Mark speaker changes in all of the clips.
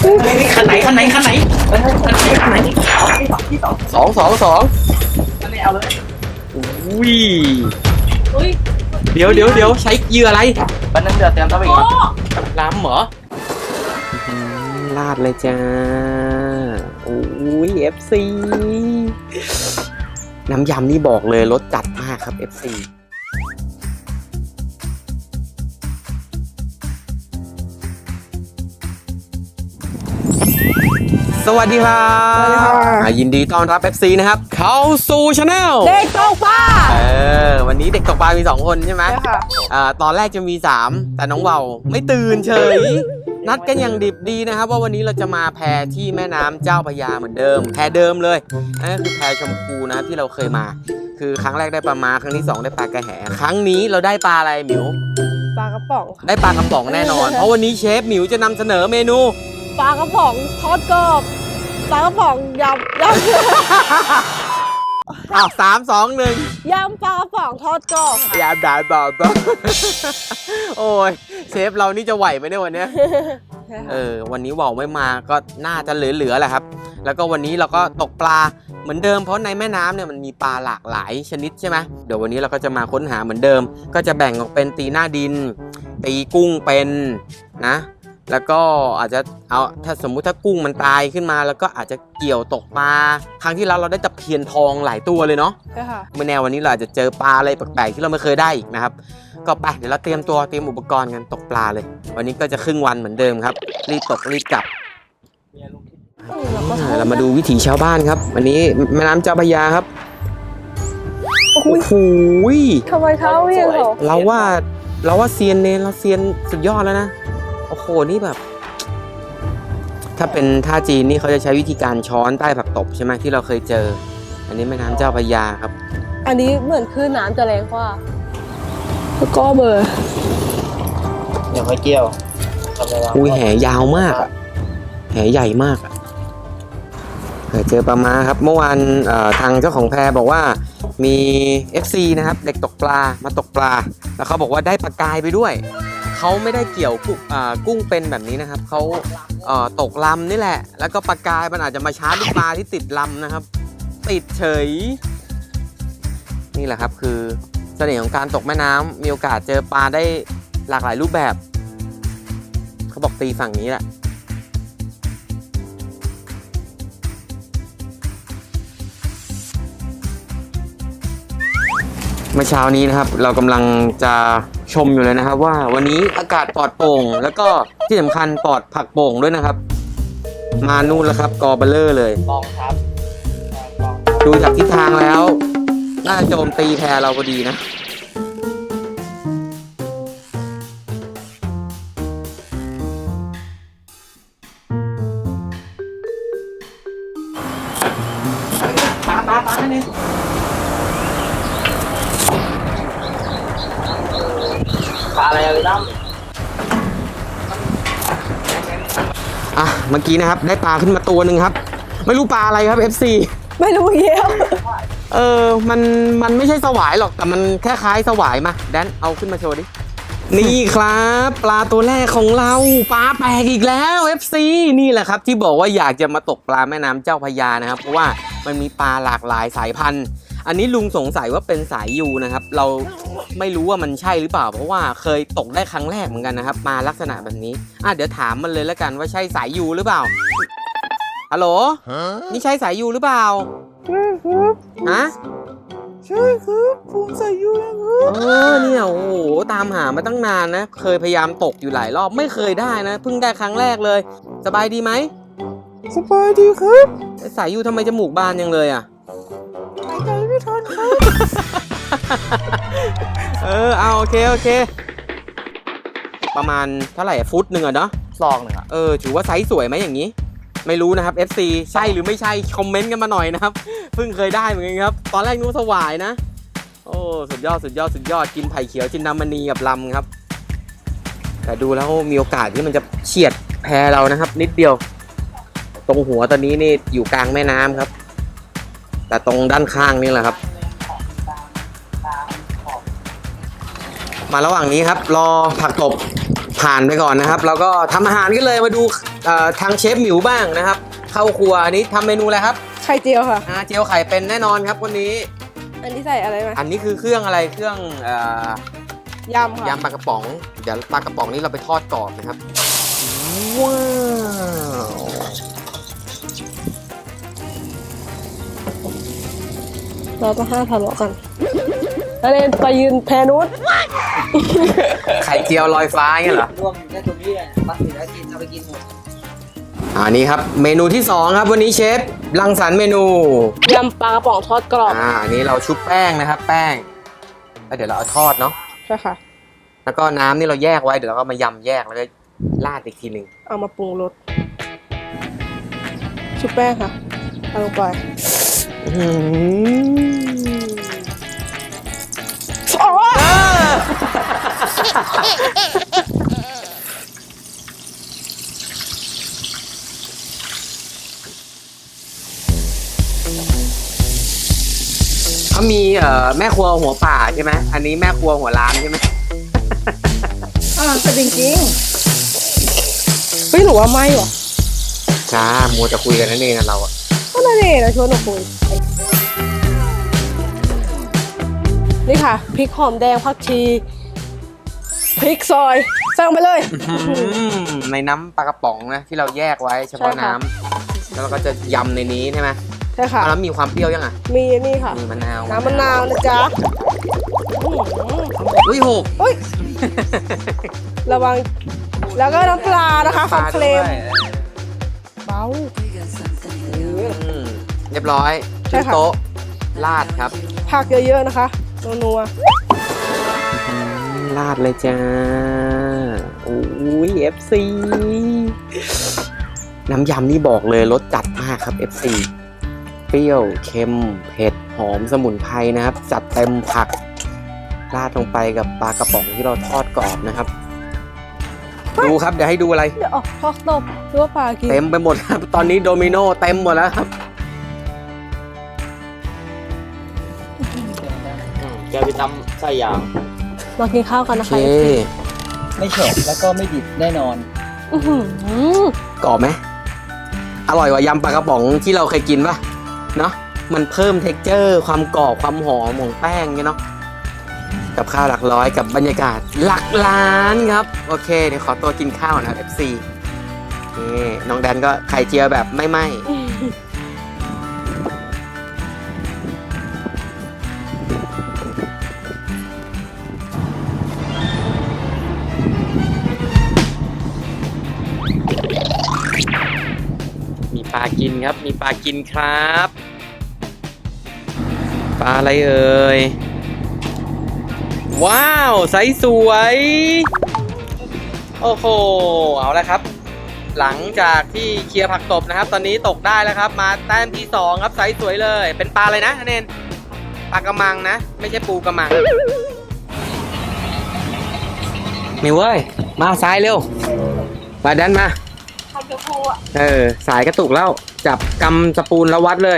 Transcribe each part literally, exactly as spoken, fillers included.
Speaker 1: คันไหนคันไหนคันไหนคันไหนคันไหนสองสองสองคันไหนเอาเลยอุ้ยเดี๋ยวเดี๋ยวเดี๋ยวใช้เหยื่ออะไรบันนั้นเดือดเตรียมตัวไปก่อนล้ำเหรอลาดเลยจ้าโอ้ย เอฟ ซี น้ำยำนี่บอกเลยรสจัดมากครับ เอฟ ซี สวัสดีครับยินดีต้อนรับ เอฟ ซี นะครับเข้าสู่ช anel
Speaker 2: เด็กตกปลา
Speaker 1: เออวันนี้เด็กตกปลามีสองคนใช่ไหมใช่ค่ะอ่าตอนแรกจะมีสามแต่น้องเบาไม่ตื่นเฉยนัดกันอย่างดิบดีนะครับว่าวันนี้เราจะมาแพที่แม่น้ำเจ้าพระยาเหมือนเดิมแพเดิมเลยนั่นก็คือแพชมพูนะครับที่เราเคยมาคือครั้งแรกได้ปลามาครั้งที่สองได้ปลากระแหครั้งนี้เราได้ปลาอะไรหมิว
Speaker 2: ปลากระป๋อง
Speaker 1: ได้ปลากระป๋องแน่นอนเพราะวันนี้เชฟหมิวจะนำเสนอเมนู
Speaker 2: ปลากระป๋องทอดกรอบปลากระป๋องยำยำ
Speaker 1: อ้าวสามสองหนึ่ง
Speaker 2: ยำปลากระป๋องทอดกรอบ
Speaker 1: ยำด่าบอกก็โอ้ยเชฟเรานี่จะไหวไหมเนี่ยวันนี้เออวันนี้ว่าวไม่มาก็น่าจะเหลือๆแหละครับแล้วก็วันนี้เราก็ตกปลาเหมือนเดิมเพราะในแม่น้ำเนี่ยมันมีปลาหลากหลายชนิดใช่ไหมเดี๋ยววันนี้เราก็จะมาค้นหาเหมือนเดิมก็จะแบ่งออกเป็นตีหน้าดินตีกุ้งเป็นนะแล้วก็อาจจะเอาถ้าสมมุติถ้ากุ้งมันตายขึ้นมาแล้วก็อาจจะเกี่ยวตกปลาครั้งที่แล้วเราได้ตะเพียนทองหลายตัวเลยเนาะใช่ค่ะไม่แน่วันนี้เราอาจจะเจอปลาอะไรแปลกๆที่เราไม่เคยได้อีกนะครับก็ไปเดี๋ยวเราเตรียมตัวเตรียมอุปกรณ์กันตกปลาเลยวันนี้ก็จะครึ่งวันเหมือนเดิมครับรีบตกรีบกลับเรามาดูวิถีชาวบ้านครับวันนี้แม่น้ำเจ้าพระยาครับโอ้โห
Speaker 2: ทำไมเขาเรียกเขา
Speaker 1: เราว่าเราว่าเซียนเนเราเซียนสุดยอดแล้วนะโอ้โหนี่แบบถ้าเป็นท่าจีนนี่เขาจะใช้วิธีการช้อนใต้ผักตบใช่ไหมที่เราเคยเจออันนี้แม่น้ำเจ้าพระยาครับ
Speaker 2: อันนี้เหมือนคลื่นน้ำจะแรงกว่าแล้วก็เบอร์
Speaker 1: เดี๋ยวค่อยเกี่ยวอุ้ยแหยาวมากอะแหใหญ่มากอะเจอปลามาครับเมื่อวานทางเจ้าของแพบอกว่ามี เอฟ ซี นะครับเด็กตกปลามาตกปลาแล้วเขาบอกว่าได้ปลากายไปด้วยเขาไม่ได้เกี่ยวกุ้งกุ้งเป็นแบบนี้นะครับเขาตกลำนี่แหละแล้วก็ปลากายมันอาจจะมาชาร์จลูกปลาที่ติดลำนะครับติดเฉยนี่แหละครับคือเสน่ห์ของการตกแม่น้ำมีโอกาสเจอปลาได้หลากหลายรูปแบบเขาบอกตีฝั่งนี้แหละเมื่อเช้านี้นะครับเรากำลังจะชมอยู่เลยนะครับว่าวันนี้อากาศปลอดโปร่งแล้วก็ที่สำคัญปลอดผักโป่งด้วยนะครับมานู่นแล้วครับกอเบลเลอร์เลยบองครับดูจากทิศทางแล้วน่าจะโจมตีแพเราพอดีนะปลาปลาปลาเนี่ยปลาอะไรอ่ะพี่ตั้มอ่ะเมื่อกี้นะครับได้ปลาขึ้นมาตัวหนึ่งครับไม่รู้ปลาอะไรครับ เอฟ ซี
Speaker 2: ไม่รู้เยี่ยว
Speaker 1: เออมันมันไม่ใช่สวายหรอกแต่มันแค่คล้ายสวายมาแดนเอาขึ้นมาโชว์ดินี่ครับปลาตัวแรกของเราปลาแปลกอีกแล้ว เอฟ ซี นี่แหละครับที่บอกว่าอยากจะมาตกปลาแม่น้ำเจ้าพระยานะครับเพราะว่ามันมีปลาหลากหลายสายพันธุ์อันนี้ลุงสงสัยว่าเป็นสายยูนะครับเราไม่รู้ว่ามันใช่หรือเปล่าเพราะว่าเคยตกได้ครั้งแรกเหมือนกันนะครับมาลักษณะแบบนี้อ่ะเดี๋ยวถามมันเลยแล้วกันว่าใช่สายยูหรือเปล่าฮัลโหลนี่ใช่สายยูหรือเปล่า
Speaker 2: ใช่ครับ
Speaker 1: ฮะ
Speaker 2: ใช่ครับผมสายยูนะครับ
Speaker 1: เออเนี่ยโอ้โหตามหามาตั้งนานนะเคยพยายามตกอยู่หลายรอบไม่เคยได้นะเพิ่งได้ครั้งแรกเลยสบายดีไหม
Speaker 2: สบายดีครับ
Speaker 1: สายยูทำไมจมูกบานยังเลยอ่ะ
Speaker 2: หายใจไม่ทันครับ
Speaker 1: เออเอาโอเคโอเคประมาณเท่าไหร่ฟุตหนึ่งอะเนาะ
Speaker 3: ซองหนึ่งอะ
Speaker 1: เออถือว่าไซส์สวยไหมอย่างนี้ไม่รู้นะครับ เอฟ ซี ใช่หรือไม่ใช่คอมเมนต์กันมาหน่อยนะครับเพิ่งเคยได้เหมือนกันครับตอนแรกนึกว่าสวายนะโอ้สุดยอดสุดยอดสุดยอดกินไผ่เขียวจินดามณีกับลำครับแต่ดูแล้วมีโอกาสที่มันจะเฉียดแพเรานะครับนิดเดียวตรงหัวตอนนี้นี่อยู่กลางแม่น้ำครับแต่ตรงด้านข้างนี่แหละครับมาระหว่างนี้ครับรอผักตบผ่านไปก่อนนะครับ แล้วก็ทำอาหารกันเลยมาดูเอ่อทางเชฟหมิวบ้างนะครับ เข้าครัวอันนี้ทำเมนูอะไรครับ
Speaker 2: ไข่เจียวค่ะ
Speaker 1: อ่าเจียวไข่เป็นแน่นอนครับวันนี้
Speaker 2: อันนี้ใส่อะไรไหม
Speaker 1: อันนี้คือเครื่องอะไรเครื่องเอ่อย
Speaker 2: ำค่ะ
Speaker 1: ยำปลากระป๋องเดี๋ยวปลากระป๋องนี้เราไปทอดกรอบนะครับว้าว
Speaker 2: เราต้องห้ามทะเลาะกันแล้วเล่นไปยืนแพนุษ
Speaker 1: ไข่เจียวลอยฟ้าเงี้ยเหรอ
Speaker 3: รวมอยู่แค่ตรงนี้แหละปักสิแล้วกินเอาไปกินหมด
Speaker 1: อันนี้ครับเมนูที่สองครับวันนี้เชฟรังสรรค์เมนู
Speaker 2: ยำปลากระป๋องทอดกรอบ
Speaker 1: อ่าอันนี้เราชุบแป้งนะครับ แป้งแล้วเดี๋ยวเราเอาทอดเนาะ
Speaker 2: ใช่ค่ะ
Speaker 1: แล้วก็น้ำนี่เราแยกไว้เดี๋ยวเราก็มายำแยกแล้วก็ราดอีกทีหนึ่ง
Speaker 2: เอามาปรุงรสชุบแป้งค่ะเอาลงไป
Speaker 1: อื้อหือ
Speaker 2: อ๋อ
Speaker 1: เขามีเอ่อแม่ครัวหัวป่าใช่ไหมอันนี้แม่ครัวหัวล้านใช่ไหม
Speaker 3: อ่าแต่จริง
Speaker 2: เฮ้ยหนูว่าไม่หรอ
Speaker 1: จ้ามัวจะคุยกันนั่นเองนะเราอะ
Speaker 2: ก็นั่นเองนะชวนหนูคุยนี่ค่ะพริกหอมแดงผักชีพริกซอยสั่งไปเลย
Speaker 1: อื้อหือในน้ำปลากระป๋องนะที่เราแยกไว้เฉพาะ
Speaker 2: ใช่ค่ะ
Speaker 1: น้ำแล้วเราก็จะยำในนี้ใช่ไหม
Speaker 2: ใช่ค่ะ
Speaker 1: แล้วมีความเปรี้ยวยังอ่ะ
Speaker 2: มีนี่ค่ะ
Speaker 1: มีมะนาว
Speaker 2: น้ำมะนาวนะจ๊ะอื้อหือ
Speaker 1: อุ้ยหก
Speaker 2: เฮ้ย ระวัง แล้วก็น้ำปลานะคะคอนเคลม
Speaker 1: ด้วย
Speaker 2: เบา
Speaker 1: อืมเรียบร้อย
Speaker 2: ใช่
Speaker 1: ขึ้น
Speaker 2: ค่ะ
Speaker 1: โต๊ะราดครับ
Speaker 2: ผักเยอะๆนะคะนัว
Speaker 1: อืมราดเลยจ้าโอ้ย เอฟ ซี น้ำยำนี่บอกเลยรสจัดมากครับ เอฟ ซี เปรี้ยวเค็มเผ็ดหอมสมุนไพรนะครับ จัดเต็มผักราดลงไปกับปลากระป๋องที่เราทอดกรอบนะครับ ดูครับเดี๋ยวให้ดูอะไร
Speaker 2: ๆเดี๋ยวออกทอดตบหรือว่าปลากิน
Speaker 1: เต็มไปหมดครับ ตอนนี้โดมิโนเต็มหมดแล้วครับแกไปทำไส้ยาง
Speaker 2: มากินข้าวกัน
Speaker 1: โอ
Speaker 2: นะ
Speaker 1: เค
Speaker 2: คะ
Speaker 3: ๆ ไม่เฉดแล้วก็ไม่ดิบแน่นอน
Speaker 2: อื้อหือก
Speaker 1: รอบไหมอร่อยกว่ายำปลากระป๋องที่เราเคยกินป่ะเนาะมันเพิ่มเท็กเจอร์ความกรอบความหอมของแป้งเนี่ยเนาะกับข้าวหลักร้อยกับบรรยากาศหลักล้านครับโอเคเดี๋ยวขอตัวกินข้าวนะครับ เอฟ ซี นี่น้องแดนก็ไข่เจียวแบบไม่ไหม้ มีปลากินครับ มีปลากินครับ ปลาอะไรเอ่ย ว้าวไซส์สวย โอ้โห เอาละครับ หลังจากที่เคลียร์ผักตบนะครับ ตอนนี้ตกได้แล้วครับ มาแต้มที่สองครับไซส์สวยเลย เป็นปลาอะไรนะเนนปลากระมังนะ ไม่ใช่ปูกระมังมิวเว้ย มาซ้ายเร็ว มาดันมา
Speaker 2: ทำจะพูอ่ะ
Speaker 1: เออ สายกระตุกแล้ว จับกำสปูนแล้ววัดเลย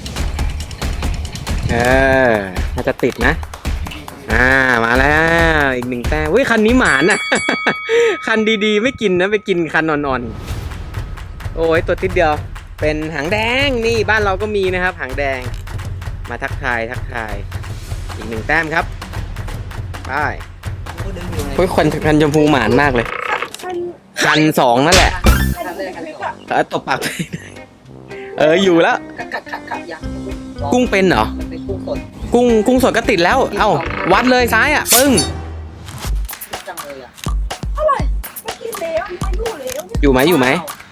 Speaker 1: เออน่าจะติดนะ อ่า มาแล้ว อีกหนึ่งแต้มเว้ย คันนี้หมานอ่ะ คันดีๆ ไม่กินนะ ไปกินคันอ่อนๆ โอ้ย ตัวติดเดียว เป็นหางแดง นี่บ้านเราก็มีนะครับ หางแดง มาทักทาย ทักทาย อีกหนึ่งแต้มครับไปโอ้ยคันคันชมพูหมานมากเลย คันสองนั่นแหละ
Speaker 3: คันแรกคันสอง
Speaker 1: เออตบปาก เออ อยู่แล้ว
Speaker 3: กัดกัดกัดกัดอย่าง
Speaker 1: กุ้งเป็นเหรอ
Speaker 3: มันเป็นกุ้งสด
Speaker 1: กุ้งกุ้งสดก็ติดแล้ว เอ้า วัดเลยซ้ายอ่ะ ปึ้ง
Speaker 3: จังเลยอ่ะ
Speaker 1: อยู่ไหมอยู่ไหม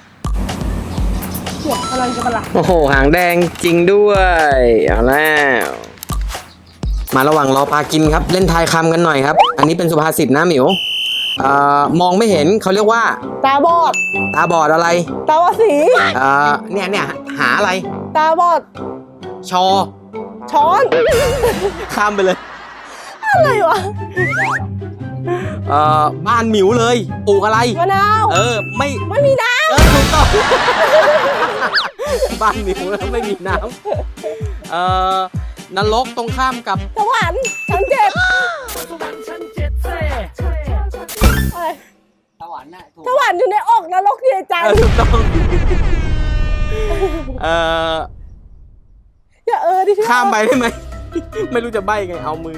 Speaker 2: หมดพลังจะมาละ
Speaker 1: โอ้โห หางแดงจริงด้วย เอาแล้ว มาระหว่างรอปลากินครับ เล่นทายคำกันหน่อยครับ อันนี้เป็นสุภาษิตนะหมิวเอ่อมองไม่เห็นเขาเรียกว่า
Speaker 2: ตาบอด
Speaker 1: ตาบอดอะไร
Speaker 2: ตาบอดสี
Speaker 1: เอ่อ เนี่ยเนี่ยหาอะไร
Speaker 2: ตาบอด
Speaker 1: ชอ
Speaker 2: ช้อน
Speaker 1: ข้ามไปเลย
Speaker 2: อะไรวะ
Speaker 1: เอ่อ บ้านหมิวเลย ปลูกอะไร
Speaker 2: มะนาว
Speaker 1: เออ ไม่
Speaker 2: ไม่มีน้
Speaker 1: เออถูกต้อง บ้านหมิวแล้วไม่มีน้ำเอ่อนรกตรงข้ามกับ
Speaker 2: ำสวรรค์ชั้นเจ็ดอะไร
Speaker 3: วรรค์น่ะถูก
Speaker 2: สวรรค์อยู่ในอกนรกอยู่ในใจ
Speaker 1: เออถูกต้องเออ
Speaker 2: อย่าเออดิพี่
Speaker 1: ข้ามไปได้ไหม ไม่รู้จะใบ้ไงเอามือ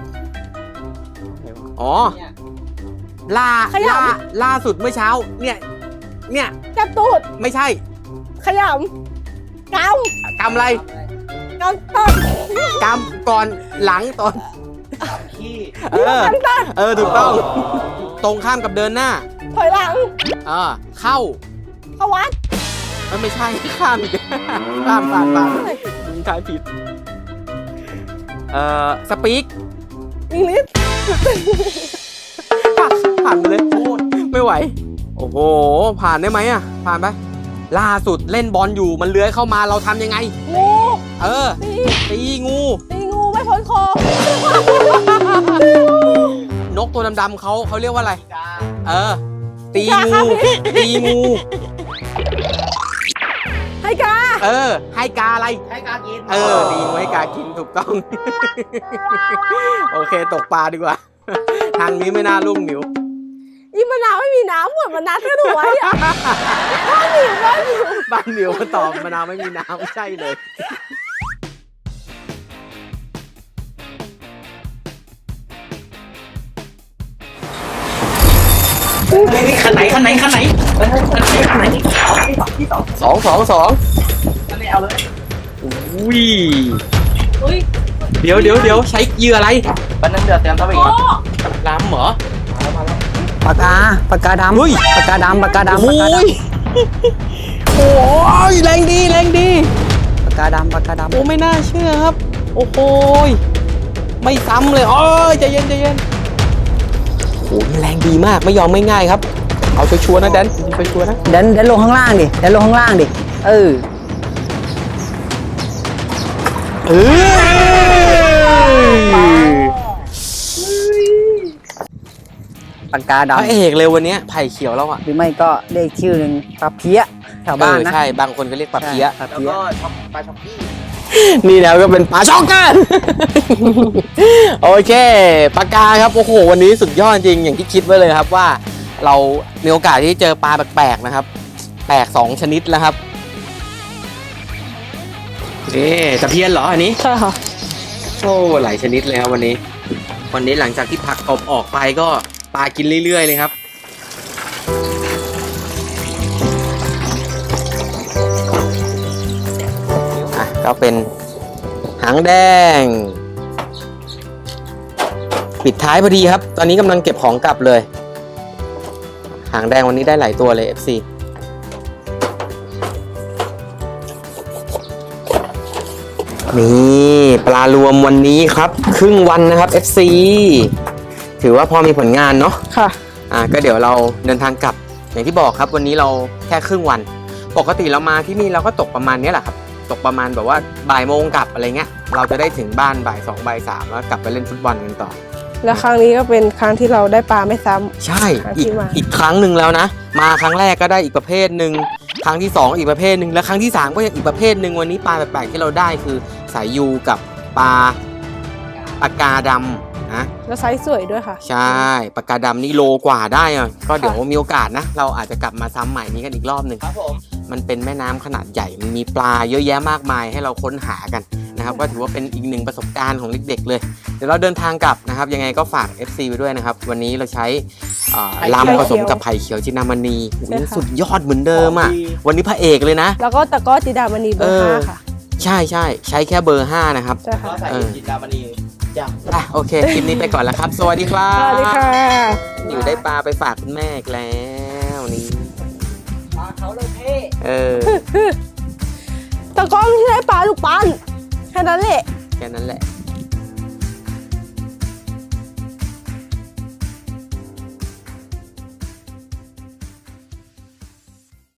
Speaker 1: อ๋อ
Speaker 3: เนี่ย
Speaker 1: ล่าล่าล่าสุดเมื่อเช้า เนี่ย เนี่ย
Speaker 2: จับตูด
Speaker 1: ไม่ใช่
Speaker 2: ขยำก
Speaker 1: กำอะไร
Speaker 2: ำกำต้น
Speaker 1: กำก่อนหลังตอน
Speaker 3: ขี้
Speaker 1: เออ เออถูกต้อง ตรงข้ามกับเดินหน้า
Speaker 2: ถอยหลัง
Speaker 1: เออเข้า
Speaker 2: เข้าวัด
Speaker 1: มันไม่ใช่ข้ามอีกข้ามผ่านผ่านมึงทายผิด เอ่อสปีก
Speaker 2: อังกฤษ
Speaker 1: ผ่านไปเลยโอ้ยไม่ไหว โอ้โห ผ่านได้ไหมอ่ะ ผ่านไป ล่าสุดเล่นบอลอยู่มันเลื้อยเข้ามาเราทำยังไง
Speaker 2: งู
Speaker 1: เออ
Speaker 2: ตี
Speaker 1: ตีงู
Speaker 2: ตีงูไม่พ้นคอน
Speaker 1: กตัวดำๆเขาเขาเรียกว่าอะไร
Speaker 3: กา
Speaker 1: เออ ตีงู ตีงู
Speaker 2: ให้กา
Speaker 1: เออ ให้กาอะไร
Speaker 3: ให้กากิน
Speaker 1: เออ ตีงูให้กากินถูกต้อง โอเคตกปลาดีกว่า ทางนี้ไม่น่าลุ่มหนิว
Speaker 2: อีมะนาวไม่มีน้ำหมดมันนัดกันหนูไว้อะบ้านหนิวบ้านหนิว
Speaker 1: บ้านหนิวมาตอบมะนาวไม่มีน้ำใช่เลย
Speaker 3: ขันไหนขันไหนขันไหนขันไหนขันไหนที่สอง
Speaker 1: สองสองสอง
Speaker 3: ขันไหนเอาเลย
Speaker 1: อุ้ย
Speaker 2: อุ้ย
Speaker 1: เดี๋ยวเดี๋ยวเดี๋ยวใช้เหยื่ออะไร
Speaker 3: บันนั้นเดือดเตรียมตัวไป
Speaker 2: โอ้
Speaker 3: ก่อน
Speaker 1: ล้ำเหรอ
Speaker 4: ปากกาปากกาดำ
Speaker 1: เฮ้ย
Speaker 4: ปากกาดำปากกาดำ
Speaker 1: โอ้
Speaker 4: ปากกาด
Speaker 1: ยโอ้ยแรงดีแรงดี
Speaker 4: ำปากกาดำปากกาดำ
Speaker 1: โอ้ไม่น่าเชื่อครับ โอ้โหยไม่ซ้ำเลยโอ้ยใจเย็นใจเย็นโอ้ยแรงดีมากไม่ยอมไม่ง่ายครับ เอาชัวร์ๆนะแดนไปชัวร์ๆนะ
Speaker 4: เดินเดินลงข้างล่างดิเดินลงข้างล่างดิเออ
Speaker 1: เออ
Speaker 4: ปากกา
Speaker 1: พระ
Speaker 4: ดำ
Speaker 1: เอกเลยวันเนี้ยไผ่เขียวแล้วอ่ะ
Speaker 4: หรือไม่ก็เรียกชื่อหนึ่งปลาเพี้ยแถวบ้าน
Speaker 1: เออ
Speaker 4: นะ
Speaker 1: ใช่บางคนก็เรียกปลาเพี้ย
Speaker 4: ปลา
Speaker 3: แล้ว
Speaker 4: เพี้ย
Speaker 3: ก็ช็อปปลาช็อปปี้
Speaker 1: นี่แล้วก็เป็นปลาช็อกกัน โอเคปลากาครับโอ้โหวันนี้สุดยอดจริงอย่างที่คิดไว้เลยครับว่า เรามีโอกาสที่เจอปลาแปลกๆนะครับแปลกสองชนิดแล้วครับนี่ตะเพียนเหรออันนี้
Speaker 2: ใช่ค่ะ
Speaker 1: โอ้หลายชนิดเลยครับวันนี้ วันนี้หลังจากที่ผักกบออกไปก็ปลากินเรื่อยๆเลยครับอ่ะก็เป็นหางแดง ปิดท้ายพอดีครับ ตอนนี้กำลังเก็บของกลับเลย หางแดงวันนี้ได้หลายตัวเลย เอฟ ซี นี่ปลารวมวันนี้ครับ ครึ่งวันนะครับ เอฟ ซี ถือว่าพอมีผลงานเนาะ
Speaker 2: ค่ะ
Speaker 1: อ่าก็เดี๋ยวเราเดินทางกลับ อย่างที่บอกครับวันนี้เราแค่ครึ่งวัน ปกติเรามาที่นี่เราก็ตกประมาณนี้แหละครับ ตกประมาณแบบว่าบ่ายโมงกลับอะไรเงี้ย เราจะได้ถึงบ้านบ่ายสองบ่ายสามแล้วกลับไปเล่นฟุตบอลกันต่อ
Speaker 2: แล้วครั้งนี้ก็เป็นครั้งที่เราได้ปลาไม่ซ้ำ
Speaker 1: ใช่
Speaker 2: ครั้ง
Speaker 1: อี
Speaker 2: ที่
Speaker 1: ก
Speaker 2: มา
Speaker 1: อีกครั้งหนึ่งแล้วนะ มาครั้งแรกก็ได้อีกประเภทหนึ่งครั้งที่สองอีกประเภทหนึ่งและครั้งที่สามก็ยังอีกประเภทหนึ่งวันนี้ปลาแปลกๆที่เราได้คือสายยูกับปลาปากกาดำนะ
Speaker 2: แล้วไซส์สวยด้วยค่ะ
Speaker 1: ใช่ปากกาดำนี่โลกว่าได้อะก็เดี๋ยวมีโอกาสนะ เราอาจจะกลับมาซ้ำใหม่นี้กันอีกรอบหนึ่ง
Speaker 3: ครับผม
Speaker 1: มันเป็นแม่น้ำขนาดใหญ่ มันมีปลาเยอะแยะมากมายให้เราค้นหากันนะครับ ก็ถือว่าเป็นอีกหนึ่งประสบการณ์ของเด็กๆเลย เดี๋ยวเราเดินทางกลับนะครับ ยังไงก็ฝาก เอฟ ซี ไปด้วยนะครับ วันนี้เราใช้เอ่อ
Speaker 2: ไผ่เขียว
Speaker 1: ลำผสมกับไผ่เขียวจินดามณีอุ๊ย
Speaker 2: ใช่ค่ะ
Speaker 1: สุดยอดเหมือนเดิมอ่ะ วันนี้พระเอกเลยนะ
Speaker 2: แล้วก็ตะกร้อจิดามณีเบอร์ห้าค่ะ
Speaker 1: ใช่ใช่ใช้แค่เบอร์ห้านะครับ
Speaker 2: ใช่
Speaker 3: ก็
Speaker 2: ค่ะ
Speaker 3: ใส่
Speaker 1: เออ
Speaker 3: จินดามณีจ้ะ
Speaker 1: อ่ะโอเค คลิปนี้ไปก่อนแล้วครับ สวัสดีครั
Speaker 2: ส
Speaker 1: บ
Speaker 2: วัสดีค่ะ
Speaker 1: อยู่ได้ปลาไปฝากคุณแม่อีกแล้วนี่
Speaker 3: ปลาเขาเลยเท่
Speaker 1: เออ
Speaker 2: ตะกร้อไม่ใช่ปลาลูกปั้นแค่นั้นแหละ
Speaker 1: แค่นั้นแหละ